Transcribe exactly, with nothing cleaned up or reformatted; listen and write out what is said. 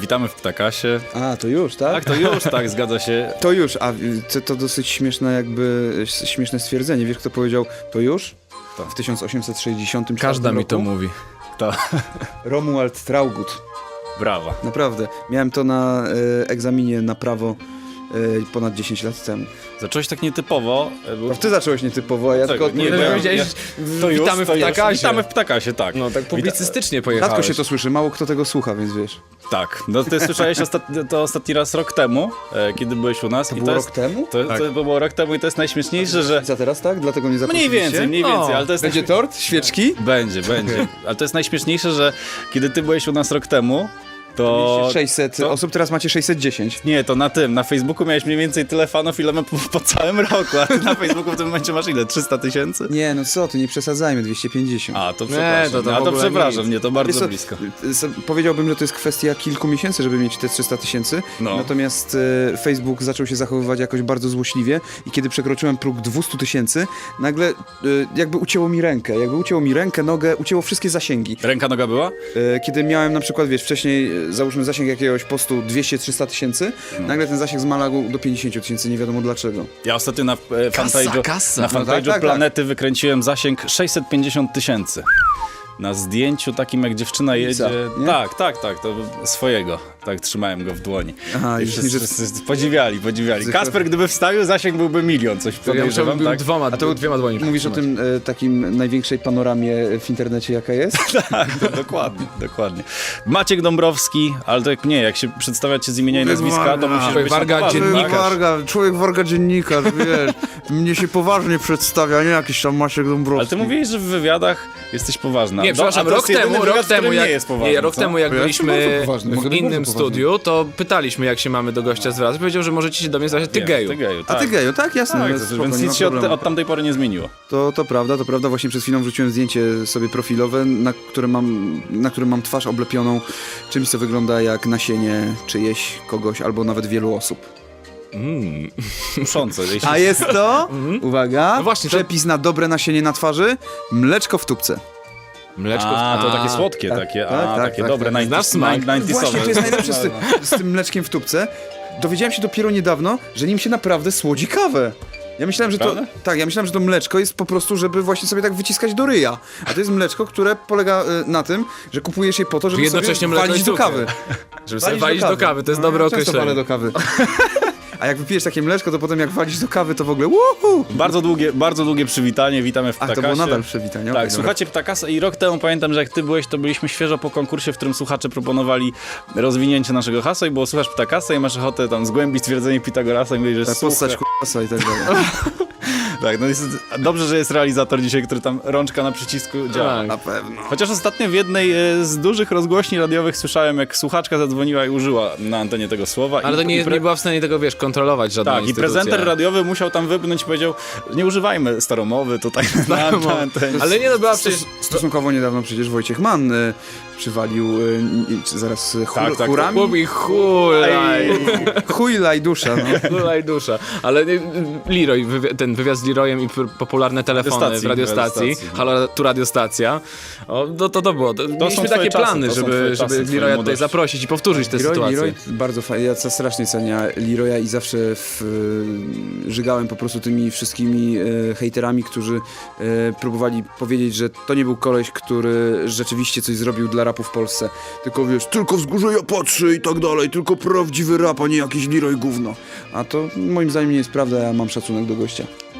Witamy w Ptakasie. A, to już, tak? Tak, to już, tak, zgadza się. To już, a to, to dosyć śmieszne jakby, śmieszne stwierdzenie. Wiesz, kto powiedział to już? To. W tysiąc osiemset sześćdziesiątym czwartym Każda mi roku? to mówi. To. Romuald Traugott. Brawa. Naprawdę. Miałem to na e, egzaminie na prawo e, ponad dziesięć lat temu. Zacząłeś tak nietypowo. Był... To ty zacząłeś nietypowo, a ja tylko... nie, no, ja- powiedziałeś, ja- że to już, witamy w to już. Ptakasie. Witamy w Ptakasie, tak. No tak publicystycznie pojechałeś. Rzadko się to słyszy, mało kto tego słucha, więc wiesz. Tak, no ty słyszałeś ostatni, to ostatni raz rok temu, e, kiedy byłeś u nas. To i było to rok jest, temu? To, Tak. to było rok temu i to jest najśmieszniejsze, że... Za teraz, tak? Dlatego nie Mniej zaprosiliście? więcej, mniej więcej, O, ale to jest... Będzie tort? Świeczki? Będzie, będzie. Ale to jest najśmieszniejsze, że kiedy ty byłeś u nas rok temu, to... Mieliście sześćset to- osób, teraz macie sześćset dziesięć. Nie, to na tym, na Facebooku miałeś mniej więcej tyle fanów, ile ma po, po całym roku, a ty na Facebooku w tym momencie masz ile? trzysta tysięcy? Nie, no co ty, nie przesadzajmy, dwieście pięćdziesiąt. A, to przepraszam, to- to w a to ogóle przepraszam, nic. nie, to Wiesz bardzo co, blisko. s- Powiedziałbym, że to jest kwestia kilku miesięcy, żeby mieć te trzysta tysięcy. No. Natomiast e, Facebook zaczął się zachowywać jakoś bardzo złośliwie i kiedy przekroczyłem próg dwieście tysięcy, nagle e, jakby ucięło mi rękę. Jakby ucięło mi rękę, nogę, ucięło wszystkie zasięgi. Ręka, noga była? E, kiedy miałem na przykład, wiesz, wcześniej e, załóżmy zasięg jakiegoś postu dwieście trzysta tysięcy, No. nagle ten zasięg zmalał do pięćdziesiąt tysięcy, nie wiadomo dlaczego. Ja ostatnio na e, fanpage'u kasa. na No fanpage'u tak, tak, Planety wykręciłem zasięg sześćset pięćdziesiąt tysięcy. Na zdjęciu takim, jak dziewczyna jedzie... nie? Tak, tak, tak, to swojego. Tak, trzymałem go w dłoni. Aha, I i wszyscy, że- wszyscy podziwiali, podziwiali. Że- Kasper, gdyby wstawił, zasięg byłby milion, coś Ja podejrzewam, musiałbym był tak? dwoma, A to dwiema dłoni. Mówisz o tym e, takim największej panoramie w internecie, jaka jest? Tak, to dokładnie, dokładnie. Maciek Dąbrowski, ale to jak nie, jak się przedstawiacie z imienia i Człowiek nazwiska, to Warga. musisz Człowiek być Warga, na poważnie, dziennikarz. tak? Warga, człowiek Warga dziennikarz, wiesz. Mnie się poważnie przedstawia, nie jakiś tam Maciek Dąbrowski. Ale ty mówiłeś, że w wywiadach jesteś poważna. Nie, No, przepraszam, a to rok jest jedyny temu, wywiad, rok w którym temu, jak, nie jest poważny, nie, rok co? temu jak Ja jestem bardzo byliśmy poważny, w jestem innym bardzo poważny. studiu, to pytaliśmy, jak się mamy do gościa zwracać. Powiedział, że możecie się do mnie zwracać, ty Wiem, geju. Ty geju, A tak. ty geju, tak? Jasne. Tak, no, to- spoko, więc nie ma nic się od, problemu. od tamtej pory nie zmieniło. To, to prawda, to prawda. Właśnie przed chwilą wrzuciłem zdjęcie sobie profilowe, na którym mam, na którym mam twarz oblepioną czymś, co wygląda jak nasienie czyjeś, kogoś albo nawet wielu osób. Mm. Kuszące. jeśli- A jest to, uwaga, No właśnie, to- przepis na dobre nasienie na twarzy, mleczko w tubce. Mleczko. A, to takie A, słodkie, tak, takie, tak, a, tak, takie tak, dobre, tak. Znasz smak? ninetysowe. Właśnie, to jest najlepsze z, ty, z tym mleczkiem w tubce. Dowiedziałem się dopiero niedawno, że nim się naprawdę słodzi kawę. Ja myślałem, że to. Prawda? Tak, ja myślałem, że to mleczko jest po prostu, żeby właśnie sobie tak wyciskać do ryja. A to jest mleczko, które polega y, na tym, że kupujesz je po to, żeby Jednocześnie sobie mleko walić i do cukier. kawy. Żeby sobie walić do kawy, to jest No, dobre ja często walę określenie. do kawy. A jak wypijesz takie mleczko, to potem jak walisz do kawy, to w ogóle uhu! Bardzo długie, bardzo długie przywitanie, witamy w A Ptakasie. to było nadal przywitanie. Tak, okej, dobra. słuchacie Ptakasa i rok temu pamiętam, że jak ty byłeś, to byliśmy świeżo po konkursie, w którym słuchacze proponowali rozwinięcie naszego hasła i było słuchasz Ptakasa i masz ochotę tam zgłębić stwierdzenie Pitagorasa i mówić, że Tak, słucha... postać k***a i tak dalej. Tak, no jest, dobrze, że jest realizator dzisiaj, który tam rączka na przycisku działa. Tak. Na pewno. Chociaż ostatnio w jednej e, z dużych rozgłośni radiowych słyszałem, jak słuchaczka zadzwoniła i użyła na antenie tego słowa. Ale i, to nie, i pre- nie była w stanie tego, wiesz, kontrolować żadna Tak, i instytucja. prezenter radiowy musiał tam wypnąć i powiedział, nie używajmy staromowy tutaj na, na, na antenie. Ale nie, no była przecież... Stosunkowo niedawno przecież Wojciech Mann y, przywalił y, y, zaraz y, chur, Tak, tak, chórami. Chłopi, hulaj, Chujlaj dusza, no. hulaj dusza. Ale nie, Leroy, wywi- ten wywiad z Leroyem i p- popularne telefony Radiostacji, w radiostacji. radiostacji. Halo, tu radiostacja. O, no to to było. To, są mieliśmy twoje takie czasy, plany, to są żeby, twoje żeby czasy, twojej Leroya tutaj młodości. zaprosić i powtórzyć tę Leroy, sytuację. Leroy bardzo fajnie, ja strasznie cenię Leroya i zawsze w, y, żygałem po prostu tymi wszystkimi y, hejterami, którzy y, próbowali powiedzieć, że to nie był koleś, który rzeczywiście coś zrobił dla rapu w Polsce. Tylko wiesz, tylko wzgórze ja patrzę i tak dalej, tylko prawdziwy rap, a nie jakiś Leroy gówno. A to moim zdaniem nie jest prawda, ja mam szacunek do gościa.